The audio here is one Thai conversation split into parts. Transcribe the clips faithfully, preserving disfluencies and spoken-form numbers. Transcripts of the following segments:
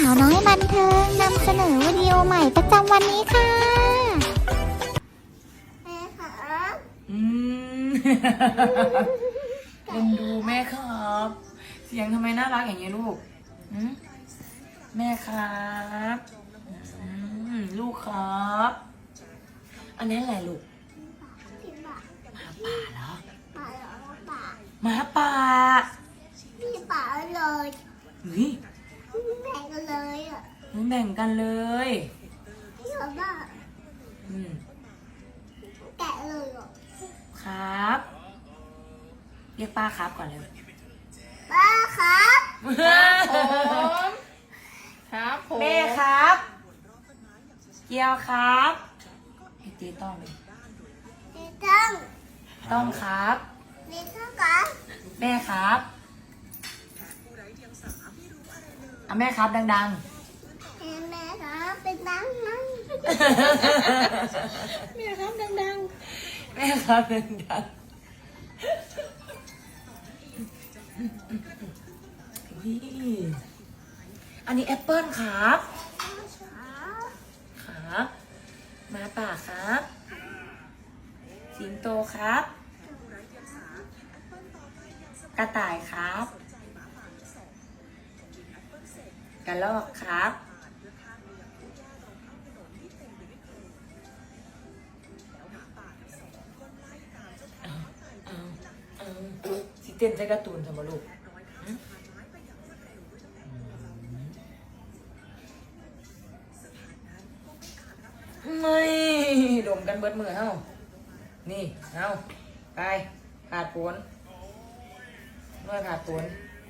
าวน้อยบันเทิงนำเสนอวิดีโอใหม่ประจำวันนี้ค่ะแม่ค่ะอืม เอ็นดูแม่ครับ เสียงทำไมน่ารักอย่างนี้ลูกอืมแม่ครับอืมลูกครับ อันนี้อะไรลูกหมาป่าเหรอหมาป่าพี่ป๋าเลยเฮ้ยแบ่งกันเลยอ่ะแบ่งกันเลยพี่บอกว่าอืมแกะเลยอ่ะครับเรียกป้าครับก่อนเลยป้าครับผมครับผมแม่ครับ เกียวครับให้ตีต้องเลยพี่ต้องต้องครับพี่ต้องครับแม่ครับอ่ะแม่ครับดังแม่ครับเป็นดังนั้นๆแม่ครับดังแม่ครับดังๆอุ๊ยอันนี้แอปเปิ้ลครับครับหมาป่าครับสิงโตครับ กระต่ายครับกระรอกครับเอาเอาเอาสิเต้นใจการ์ตูนทำมาลูกหึไม่ดมกันเบิดมือเฮ้านี่เอาไปขาดผลเมื่อขาดผล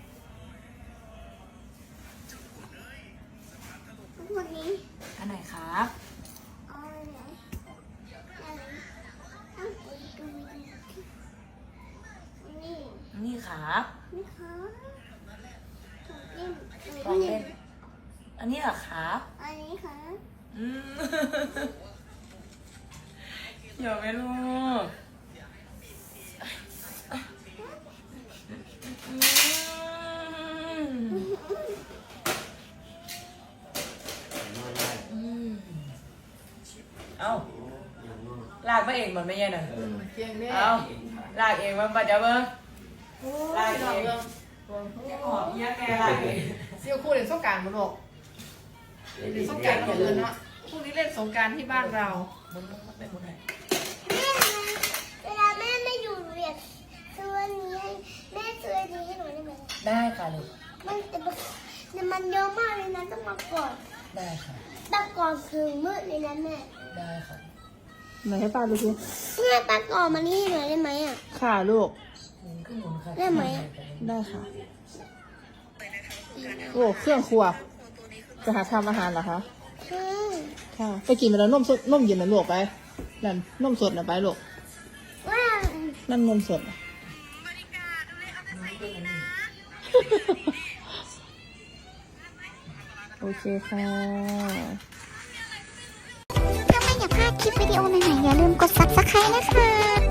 วันนี้อันไหนครับเอาไหนอะไรเอาไปดูนี่นี่ครับนี่ครับเล่นลองเล่น อันนี้เหรอครับอันนี้ครับอืม อย่าไปลูกอืมอืมเอาลากมาเองมันไม่ใช่หน่อยๆเพียงแม่เอาลากเองมันมาจะเบิ้งโอ้ลายยเองดอกเรื่องจะหอมเยี่ยแม่ลากเองเซียวคู่เล่นสงกรานต์มาลูกเล่นสงกรานต์อย่างอื่นเนาะพรุ่งนี้เล่นสงกรานต์ที่บ้านเรามุนมุนเป็นมุนไหนแม่เวลาแม่ไม่อยู่เรียนซื้ออันนี้ให้แม่ซื้ออันนี้ให้หนูได้ไหมได้ค่ะลูกมันแต่มันแต่มันเยอะมากเลยนะต้องมาก่อนได้ค่ะตะก่อนคือมืดเลยนะแม่ได้ค่ะไหนให้ป้าดูสิเมื่อตะก่อนมานี่หน่อยได้ไหมอ่ะค่ะลูกหมุนขึ้นหมุนค่ะได้ไหมได้ค่ะโอ้เครื่องครัวจะหาทำอาหารเหรอคะคือค่ะไปกินไปแล้วนมสดนมเย็นนะลูกไปนั่นนมสดนะไปลูกว่านั่นนมสดน่ะ โอเคค่ะถ้าไม่อยากพลาดคลิปวิดีโอใหม่ๆอย่าลืมกด ซับสไครบ์ นะคะ